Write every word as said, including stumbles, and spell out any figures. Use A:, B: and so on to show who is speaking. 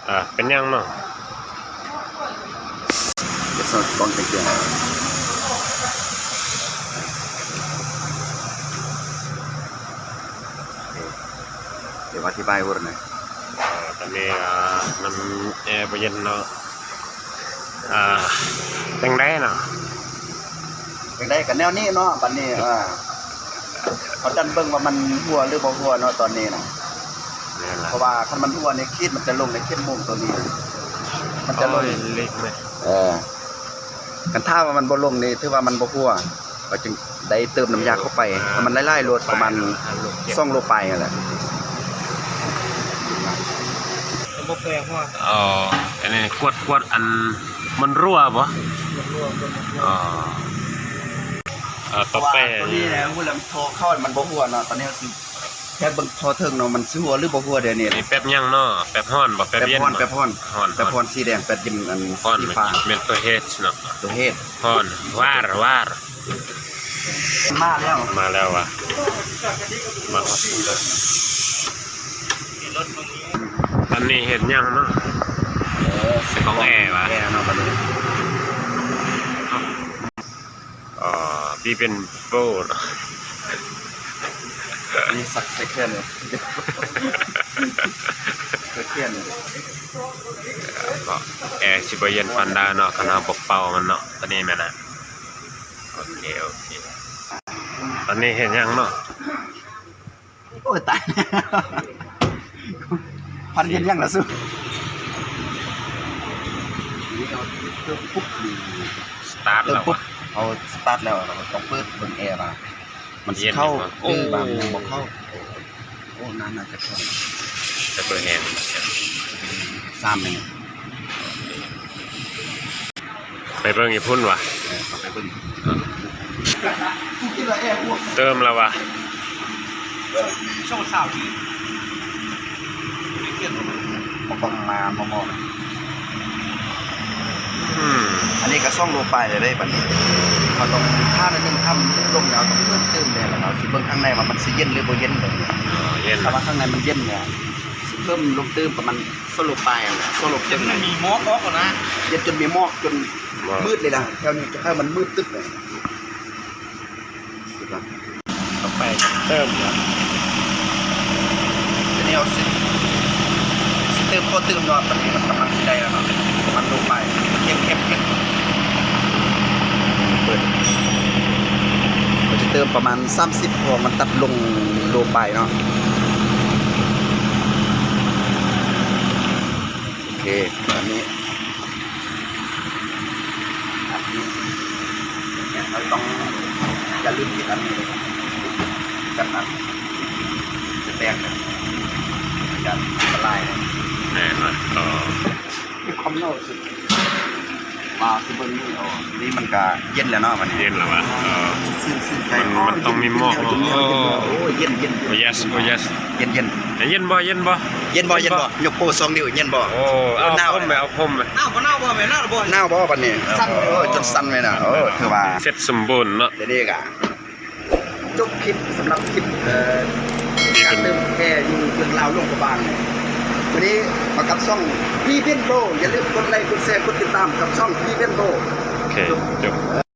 A: อ่าเป็นยังเนาะ
B: จะสอดกองเกียงเดี๋ยวอธิบายวุ่นหน่อย
A: ตอนนี้น้ำแอร์เย็นเนาะอ่าเป็นได้เนาะ
B: เป็นได้กันแนวนี้เนาะปันนี้อ่าเขาดันเบิ่งว่ามันหัวหรือบ่หัวเนาะตอนนี้นะเพราะว่าคันมันหัวในคีดมันจะลงในเข้มมุมตัวนี้มันจะลง
A: เล็กไหม
B: เออกันถ้าว่ามันบ่ลงนี่ถือว่ามันบ่หัวก็จึงได้เติมน้ำยาเข้าไปให้มันไล่ๆรดประมาณสองโลไปนั่นแหละ
A: บ่แปลว่าอ๋ออันนี้กวดกวดอันมันรั่วบ่อ๋ออ่าต่อไป
B: ตัวนี้นะเวลามันโทรเข้ามันบ่หัวเนาะตอนนี้คือแค่เบิ่งพอเทิงเนาะมันสิหัวหรือบ่หัวเดี๋ยวนี้
A: นี่แป๊บยังเนาะแป๊บฮ้อนบ่แป๊บเย็น
B: แป๊บฮ้อน
A: ฮ้อน
B: แป๊บฮ้อนสีแดงแป๊บเย็นอัน
A: ฮ้อนเป็นตัวเฮ็ดเนาะ
B: ตัวเฮ็ด
A: ฮ้อนวาร์วาร์
B: มาแล้ว
A: มาแล้วว่ะมาตอนนี้เห็นยังเนาะ
B: เออ
A: ของแอร์ว่ะ
B: แอร์เนาะบัดนี้
A: อ๋อพี่เป็นโบเนาะ
B: มีสักเซคันด์เลยเซคันด์
A: ก็แอร์สิบเย็นปันดาเนาะขนาดปกเป่ามันเนาะตอนนี้แม่นะโอเคโอเคตอนนี้เห็นยังเนาะ
B: โอ้ยตายพันเย็นยังละสู้
A: สตาร์ทแล้ว
B: เอาสตาร์ทแล้วเราต้องเปิดเบิ่งแอร์มามันเข้าเออบางยังบอกเข้าโอ้นานน่าจะเข้า
A: จะเปิดแฮนด์
B: สามเอง
A: ไปเบิ่งอีพุ่นวะ
B: ไปเบิ่ง
A: เติมแล้ววะ
B: ช่องสาวที่มาฟังมามามองอันนี้ก็ซ่องโลไปเลยได้ปันนี้เขาต้องท่าหนึ่งท่าลงแล้วต้องเพิ่มเติมเลยแล้วเราสิเบิ่งข้างในว่ามันสิเย็นหรือบ่เย็นเลย
A: เย็น
B: ถ้าว่าข้างในมันเย็นเนี่ยสิเพิ่มลงเติมประมาณโซโลไปอ่ะโซโลจนมันมีหมอกออกก่อนนะเย็นจนมีหมอกจนมืดเลยล่ะแถวนี้จะให้มันมืดตึ๊บเลย
A: ต่อไปเติมแล้ว
B: ทีนี้เอาสิเติมพอเติมนอนมันมันกำลังสิได้แล้วเนาะมันลงไปเข้มเข้มเข้มเปิดก็จะเติมประมาณสามสิบพอมันตัดลงโลไปเนาะโอเคอันนี้อันนี้เราต้องอย่าลืมติดอันนี้กันนั้นจะแตกเลยจะละลาย
A: แน่นอนต่อ
B: มีความเน่าสุดมาคือเบิ้งนี่อ๋อนี่มันก็เย็นแล้วเนาะมัน
A: เย็นแล้ววะ
B: มัน
A: มันต้องมีหมอก
B: โอ้เย็นเย็น
A: โอ้ยสโอ้ยส
B: เย็นเย็น
A: เย็นบ่เย็นบ่
B: เย็นบ่เย็นบ่ยกโป้สองนิ้วเย็นบ่
A: โอ้เอาพุ่มไปเอาพุ่มไป
B: หน้าบ่หน้าบ่แม่หน้าบ่หน้าบ่บัดนี้สั่นโอ้จนสั่นเลยนะโอ้คือว่า
A: เสร็จสมบูรณ์เนาะ
B: เด็กอ่ะจบคลิปสำหรับคลิปเอ่อการเติมแค่อยู่เรื่องราวโรงพยาบาลวันนี้มากับช่องพี่เบนโบอย่าลืมกดไลค์กดแชร์กดติดตามกับช่องพี่เบนโบ
A: โอเคจบ